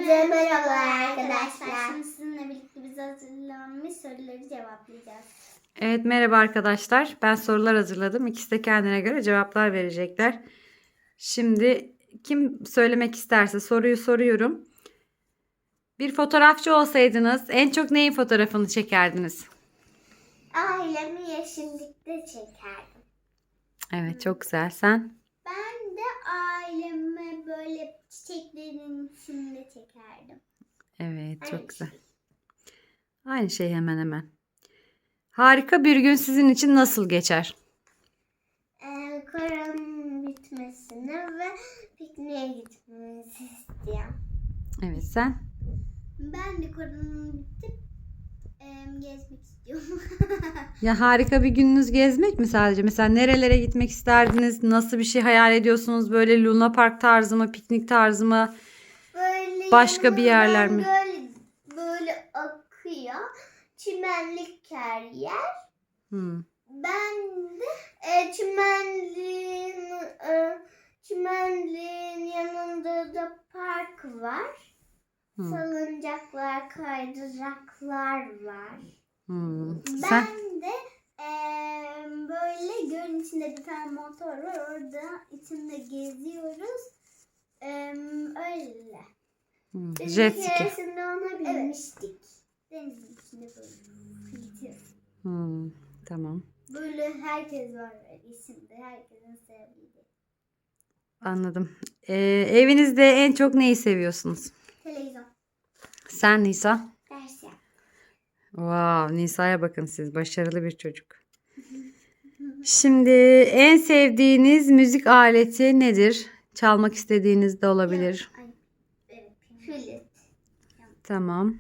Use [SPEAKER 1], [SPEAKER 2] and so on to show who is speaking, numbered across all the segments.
[SPEAKER 1] Hepinize merhabalar arkadaşlar. Şimdi sizinle birlikte biz hazırlanmış soruları cevaplayacağız.
[SPEAKER 2] Evet, merhaba arkadaşlar. Ben sorular hazırladım. İkisi de kendine göre cevaplar verecekler. Şimdi kim söylemek isterse soruyu soruyorum. Bir fotoğrafçı olsaydınız en çok neyin fotoğrafını çekerdiniz?
[SPEAKER 1] Ailemi yeşillikte çekerdim.
[SPEAKER 2] Evet, çok güzel. Sen?
[SPEAKER 1] Ben de ailemi böyle çiçeklerin içinde çekerdim.
[SPEAKER 2] Evet, çok
[SPEAKER 1] Aynı
[SPEAKER 2] güzel.
[SPEAKER 1] şey.
[SPEAKER 2] Aynı şey hemen hemen. Harika bir gün sizin için nasıl geçer?
[SPEAKER 1] Koronanın bitmesini ve pikniğe gitmemizi istiyorum.
[SPEAKER 2] Evet, sen?
[SPEAKER 1] Ben de koronanın bitip gezmek istiyorum.
[SPEAKER 2] Ya harika bir gününüz gezmek mi sadece? Mesela nerelere gitmek isterdiniz? Nasıl bir şey hayal ediyorsunuz? Böyle Luna Park tarzı mı, piknik tarzı mı?
[SPEAKER 1] Böyle
[SPEAKER 2] Başka bir yerler mi?
[SPEAKER 1] Böyle akıyor. Çimenlik her yer.
[SPEAKER 2] Hmm.
[SPEAKER 1] Ben de çimenliğin yanında da park var. Salıncaklar, kaydıraklar var.
[SPEAKER 2] Sen?
[SPEAKER 1] Ben de böyle gölün içinde bir tane motor var. Orada içinde geziyoruz. Öyle. Biz
[SPEAKER 2] Jet
[SPEAKER 1] bir
[SPEAKER 2] ski.
[SPEAKER 1] keresinde ona binmiştik. Denizin içinde böyle gidiyoruz.
[SPEAKER 2] Tamam.
[SPEAKER 1] Böyle herkes var isimde. Herkesin sevdiği.
[SPEAKER 2] Anladım. Evinizde en çok neyi seviyorsunuz?
[SPEAKER 1] Televizyon.
[SPEAKER 2] Sen Nisa?
[SPEAKER 1] Ders yap.
[SPEAKER 2] Wow, Nisa'ya bakın siz. Başarılı bir çocuk. Şimdi en sevdiğiniz müzik aleti nedir? Çalmak istediğiniz de olabilir.
[SPEAKER 1] Evet. Flüt.
[SPEAKER 2] Tamam.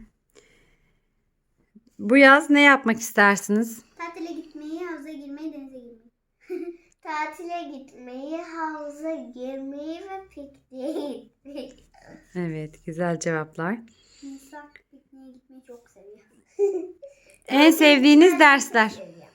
[SPEAKER 2] Bu yaz ne yapmak istersiniz?
[SPEAKER 1] Tatile gitmeyi, havuza girmeyi, denize girmeyi. Tatile gitmeyi, havuza girmeyi ve pikniğe gitmeyi.
[SPEAKER 2] Evet, güzel cevaplar.
[SPEAKER 1] Nisa pikniğe gitmeyi çok seviyor.
[SPEAKER 2] En sevdiğiniz dersler?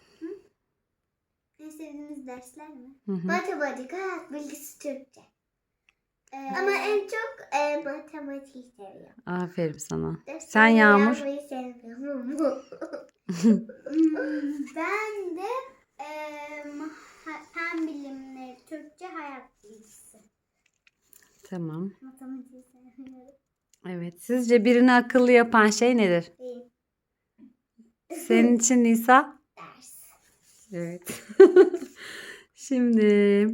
[SPEAKER 1] En sevdiğiniz dersler mi?
[SPEAKER 2] Hı hı.
[SPEAKER 1] Matematik, hayat bilgisi, Türkçe. Ama en çok matematik seviyorum.
[SPEAKER 2] Aferin sana.
[SPEAKER 1] Dersleri
[SPEAKER 2] Sen Yağmur?
[SPEAKER 1] yazmayı sevmiyorum. Ben de fen bilimleri, Türkçe, hayat bilgisi.
[SPEAKER 2] Tamam.
[SPEAKER 1] Matematiği sevmiyorum.
[SPEAKER 2] Evet. Sizce birini akıllı yapan şey nedir?
[SPEAKER 1] Değil.
[SPEAKER 2] Senin için Nisa?
[SPEAKER 1] Ders.
[SPEAKER 2] Evet. Şimdi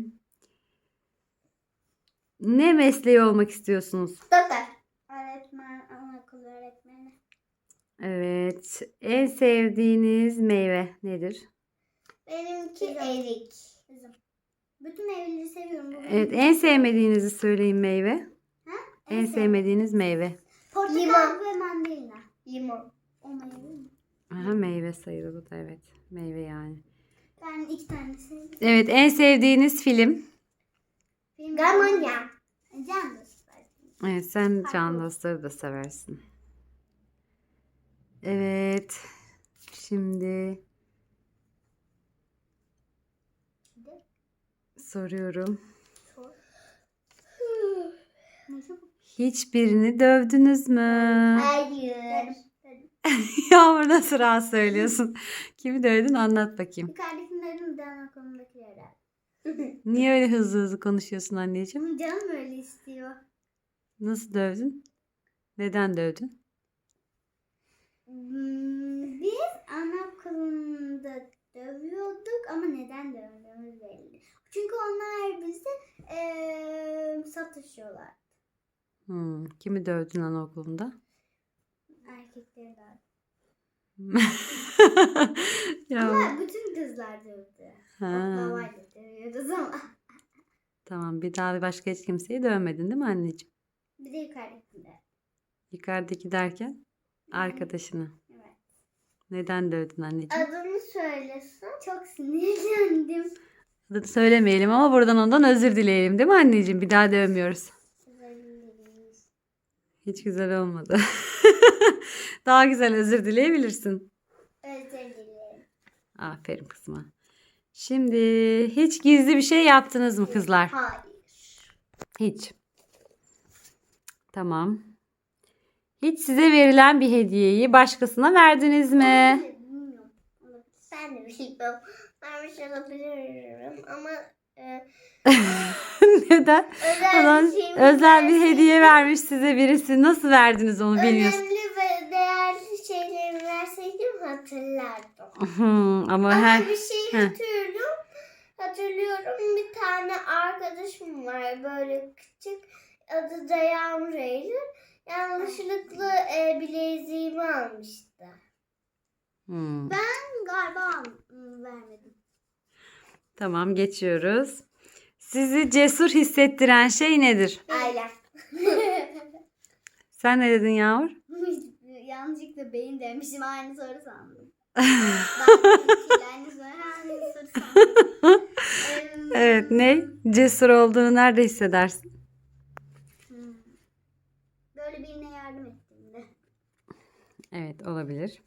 [SPEAKER 2] ne mesleği olmak istiyorsunuz?
[SPEAKER 1] Doktor. Öğretmen, anaokulu öğretmeni.
[SPEAKER 2] Evet. En sevdiğiniz meyve nedir?
[SPEAKER 1] Benimki erik. Üzüm. Bütün meyveleri seviyorum.
[SPEAKER 2] Evet. En sevmediğinizi söyleyin meyve.
[SPEAKER 1] Ha?
[SPEAKER 2] En sevmediğiniz meyve.
[SPEAKER 1] Portakal ve mandalina. Limon. O meyve mi?
[SPEAKER 2] Aha, meyve sayılır bu da, evet. Meyve yani.
[SPEAKER 1] Ben 2 tane seviyorum.
[SPEAKER 2] Evet. En sevdiğiniz film?
[SPEAKER 1] Gamonya. Can dostlar.
[SPEAKER 2] Evet. Sen Can Dostları da seversin. Evet. Şimdi soruyorum. Hiçbirini dövdünüz mü?
[SPEAKER 1] Hayır.
[SPEAKER 2] Yağmur nasıl rahat söylüyorsun? Kimi dövdün, anlat bakayım.
[SPEAKER 1] Yukarıdakilerin de anaokulundaki herhalde.
[SPEAKER 2] Niye öyle hızlı hızlı konuşuyorsun anneciğim?
[SPEAKER 1] Canım öyle istiyor.
[SPEAKER 2] Nasıl dövdün? Neden dövdün?
[SPEAKER 1] Biz anaokulunda dövüyorduk ama neden dövdüğümüz belli. Çünkü onlar bizi satışıyorlar.
[SPEAKER 2] Kimi dövdün anaokulunda?
[SPEAKER 1] Erkekleri de.
[SPEAKER 2] Ya.
[SPEAKER 1] Ama bütün kızlar dövdü.
[SPEAKER 2] Ha.
[SPEAKER 1] Oklavayla dövüyoruz ama.
[SPEAKER 2] Tamam, bir daha başka hiç kimseyi dövmedin değil mi anneciğim?
[SPEAKER 1] Bir de yukarıdakiler.
[SPEAKER 2] Yukarıdaki derken arkadaşını.
[SPEAKER 1] Evet.
[SPEAKER 2] Neden dövdün anneciğim?
[SPEAKER 1] Adını söylesin. Çok sinirlendim.
[SPEAKER 2] Adını söylemeyelim ama buradan ondan özür dileyelim değil mi anneciğim? Bir daha dövmüyoruz. Hiç güzel olmadı. Daha güzel özür dileyebilirsin.
[SPEAKER 1] Özür dilerim.
[SPEAKER 2] Aferin kızıma. Şimdi hiç gizli bir şey yaptınız mı kızlar?
[SPEAKER 1] Hayır.
[SPEAKER 2] Hiç. Tamam. Hiç size verilen bir hediyeyi başkasına verdiniz mi?
[SPEAKER 1] Bilmiyorum. Ben de bilmiyorum. Vermiş olabilirim ama
[SPEAKER 2] Neden?
[SPEAKER 1] özel bir şey mi
[SPEAKER 2] Özel bir
[SPEAKER 1] verseydim,
[SPEAKER 2] hediye vermiş size birisi. Nasıl verdiniz onu bilmiyorsun.
[SPEAKER 1] önemli ve değerli şeyleri verseydim hatırlardım.
[SPEAKER 2] Ama
[SPEAKER 1] Ama bir şey
[SPEAKER 2] Heh.
[SPEAKER 1] hatırlıyorum. Bir tane arkadaşım var böyle küçük. Adı da Yağmur Eylül. Yanlışlıkla bileziğimi almıştı. Ben galiba vermedim.
[SPEAKER 2] Tamam, geçiyoruz. Sizi cesur hissettiren şey nedir?
[SPEAKER 1] Ailem.
[SPEAKER 2] Sen ne dedin Yağmur?
[SPEAKER 1] Yanlışlıkla beyin demişim. Aynı soru sandım. Aynı soru sandım.
[SPEAKER 2] Evet, ne? Cesur olduğunu nerede hissedersin?
[SPEAKER 1] Böyle birine yardım ettiğimde.
[SPEAKER 2] Evet, olabilir.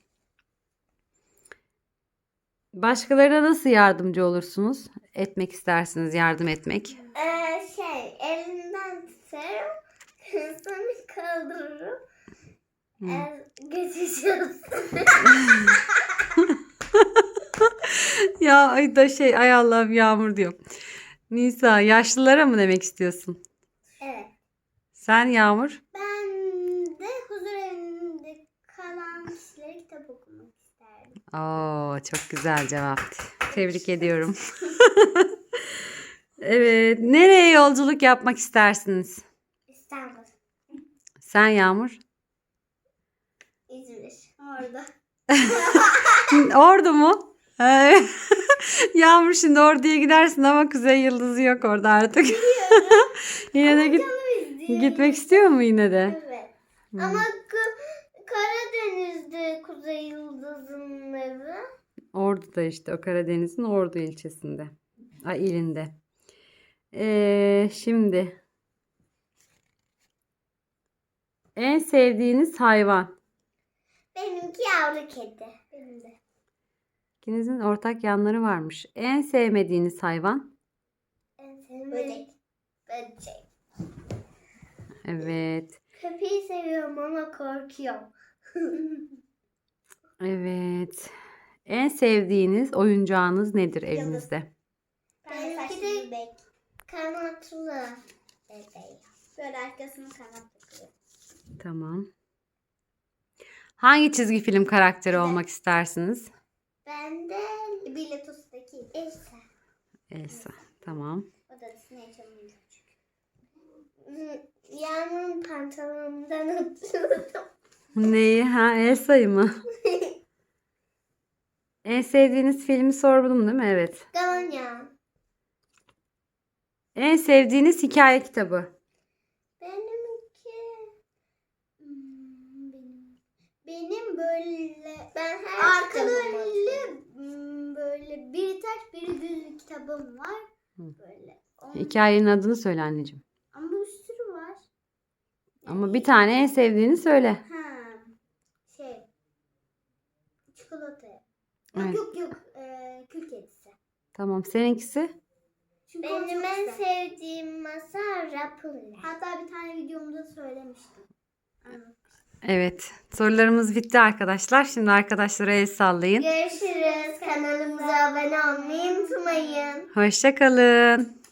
[SPEAKER 2] Başkalarına nasıl yardımcı olursunuz? Etmek istersiniz, yardım etmek.
[SPEAKER 1] Elinden tutarım. Sonra kaldırırım. Geçeceğiz.
[SPEAKER 2] Ya ay da ay Allah'ım Yağmur diyor. Nisa, yaşlılara mı demek istiyorsun?
[SPEAKER 1] Evet.
[SPEAKER 2] Sen Yağmur?
[SPEAKER 1] Ben de huzur evinde kalan kişilere kitap okumak isterdim.
[SPEAKER 2] Oo, çok güzel cevap. Tebrik ediyorum. Evet, nereye yolculuk yapmak istersiniz?
[SPEAKER 1] İstanbul.
[SPEAKER 2] Sen Yağmur?
[SPEAKER 1] İzmir. Orada.
[SPEAKER 2] Ordu mu? Yağmur, şimdi Ordu'ya gidersin ama Kuzey Yıldızı yok orada artık. Yine de gitmek istiyor mu yine de?
[SPEAKER 1] Evet. Ama Karadeniz'de Kuzey Yıldızı'nın evi.
[SPEAKER 2] Ordu'da işte, o Karadeniz'in Ordu ilçesinde. İlinde. Şimdi en sevdiğiniz hayvan?
[SPEAKER 1] Benimki yavru kedi. Benim de.
[SPEAKER 2] İkinizin ortak yanları varmış. En sevmediğiniz hayvan?
[SPEAKER 1] En sevdiğim böcek. Böcek.
[SPEAKER 2] Evet.
[SPEAKER 1] Köpeği seviyorum ama korkuyorum.
[SPEAKER 2] Evet. En sevdiğiniz oyuncağınız nedir evinizde?
[SPEAKER 1] Benimki de kanatlı bebeğim. Böyle arkasını kanat takıyor.
[SPEAKER 2] Tamam. Hangi çizgi film karakteri olmak istersiniz?
[SPEAKER 1] Ben de Biletos'taki Elsa.
[SPEAKER 2] Elsa. Tamam.
[SPEAKER 1] O da Disney Channel'ın küçük. Yağmur'un pantolonundan atıyordum.
[SPEAKER 2] Neyi? Elsa'yı mı? En sevdiğiniz filmi sordum değil mi? Evet.
[SPEAKER 1] Galonya.
[SPEAKER 2] En sevdiğiniz hikaye kitabı?
[SPEAKER 1] Benimki benim böyle ben her arkalı önlü böyle biri ters biri düz kitabım var. Böyle.
[SPEAKER 2] Hikayenin adını söyle anneciğim.
[SPEAKER 1] Ama bir sürü var.
[SPEAKER 2] Ama bir tane en sevdiğini söyle.
[SPEAKER 1] Çikolata.
[SPEAKER 2] Evet.
[SPEAKER 1] Yok. Kül kedisi.
[SPEAKER 2] Tamam, seninkisi?
[SPEAKER 1] Çünkü benim en sevdiğim masal Rapunzel. Hatta bir tane videomda söylemiştim.
[SPEAKER 2] Evet. Sorularımız bitti arkadaşlar. Şimdi arkadaşlara el sallayın.
[SPEAKER 1] Görüşürüz. Kanalımıza abone olmayı unutmayın.
[SPEAKER 2] Hoşça kalın.